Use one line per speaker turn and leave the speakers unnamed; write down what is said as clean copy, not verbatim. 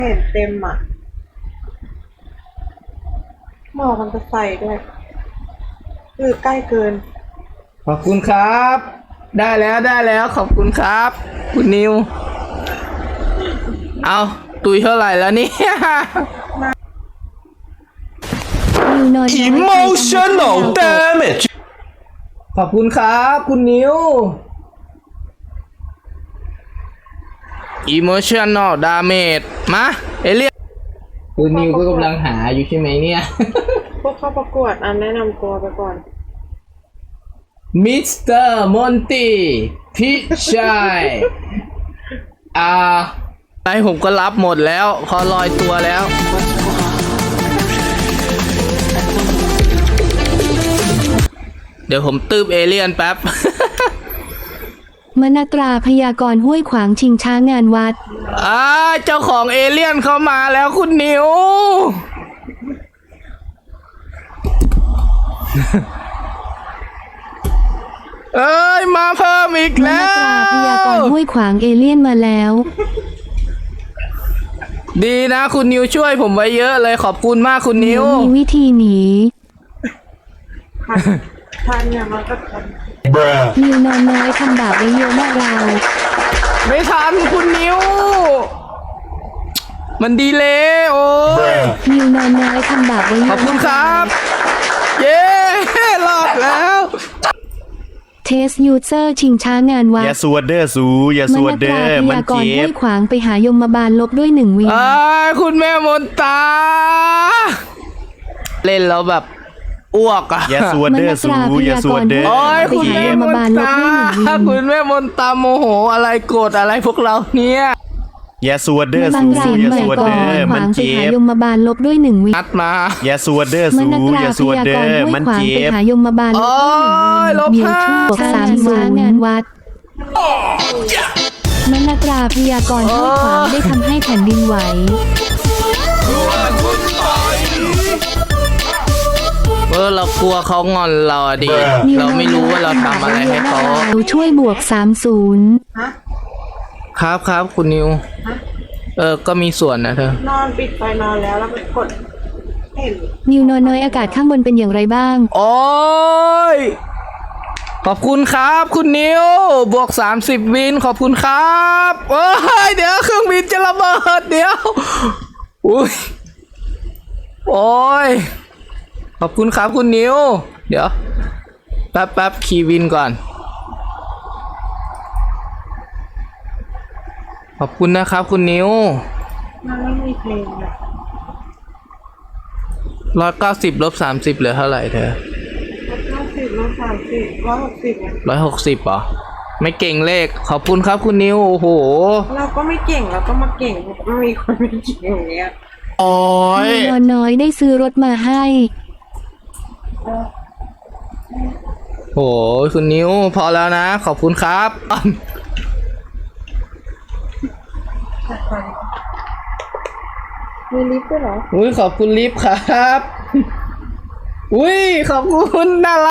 เห็นเต็มอ่ะหมอกมันจะใส่ด้วยคือใกล้เกิน
ขอบคุณครับ ได้แล้วขอบคุณครับ คุณนิวเอาตุยเท่าไหร่แล้วเนี่ย
Emotional damage
ขอบคุณครับคุณนิว Emotional damage มาเอเลียนคุณนิวก็กำลังหาอยู่ใช่ไหมเนี่ย
พวกเข้าประกวดแนะนำตัวไปก่อน
มิสเตอร์มอนตี้พี่ชายไอ้ผมก็รับหมดแล้วพอลอยตัวแล้วเดี๋ยวผมตืบเอเลี่ยนแป๊บ
มนตราพยากรณ์ห้วยขวางชิงช้างานวัด
เจ้าของเอเลี่ยนเข้ามาแล้วคุณนิว เอ้ยมาเพิ่มอีกแล้ว
มนตราพยากรณ์ห้วยขวางเอเลี่ยนมาแล้ว
ดีนะคุณนิวช่วยผมไว้เยอะเลยขอบคุณมากคุณนิว
มีวิธีหนี
ทันเนี่ยมันก็ทัน
นิวนอนน้อยทำบาปไว้เยอะมากเรา
ไม่ทันคุณนิว มันดีเลยโอ้ย
นิวนอนน้อยทำบาปไว้เยอะ
ขอบคุณครับ เย้รอดแล้ว
เทสยูเซอร์ชิงช้างานวัด
อย่าสวดเด้อสูอย่าสวดเด้อ
พ
มัน
ยากร
เจ็
ณ์ห้
บ
วยขวางไปหายมบาลลบด้วย1 วิน
คุณแม่มนตา เล่นแล้วแบบอ้วกอ่ะ
อย่าสวดเด้อสูอย่าสวดเด้อ
โอ้ย
ไป
คุณ
หา
แม่
ย
ม
ม
น
บาลลบ
ตา
ด้วย1 วิน
คุณแม่มนตาโมโหอะไรโกรธอะไรพวกเราเนี่ย
อย่าสวดเด้อ
บั
สู
งสี
อย่า
ใหม่
สวด
ก่อ
เด้อน
ข
มั
วาน งไป
เจ็
หา
บ
ยมบาลลบด้วย1 วิน
นัดมา
อย่าสวดเด้อ
ม
สู
นตรา
อย่า
พ
สวด
ยา
เด้
ก
อ
รณ์ห้ว
มั
ย
น
ขวาง
เจ็
ไป
บ
หายมบาลลบด้วย1 วิน
ลบ
เดี๋ยว
ห้า
ทูก30 งานวัดมนตราพยากรณ์ห้วยขวางได้ทำให้แผ่นดินไหว
เรากลัวเขางอนเราอะดิเราไม่รู้ว่าเราทำอะไรให้เขา
ช่วยบวก30
ฮะ
ครับคุณนิว ก็มีส่วนนะเธอ
นอนปิดไฟนอนแล้วไปกดเห็น
นิวนอนน้อยอากาศข้างบนเป็นอย่างไรบ้าง
โอ้ยขอบคุณครับคุณนิวบวก30 วินขอบคุณครับโอ้ยเดี๋ยวเครื่องบินจะระเบิดเดี๋ยวอุ้ยโอ้ยขอบคุณครับคุณนิวเดี๋ยวแป๊บขี่วินก่อนขอบคุณนะครับคุณนิว
มันไม่มีเพลงเลย
190 ลบ 30เหลือเท่าไหร่เธอ
150 130 160เนี่ย
160เหรอไม่เก่งเลขขอบคุณครับคุณนิวโอ้โห
เราก็ไม่เก่งเราก็มาเก่งไม่มีคนไม่เก่งอย่างเงี้ย
โอ้ย
นิวนอนน้อยได้ซื้อรถมาให้
โหคุณนิวพอแล้วนะขอบคุณครับ
มีลิฟต์ด้วยเหรอ
อุ้ยขอบคุณลิฟต์ครับ อุ้ยขอบคุณน่ารัก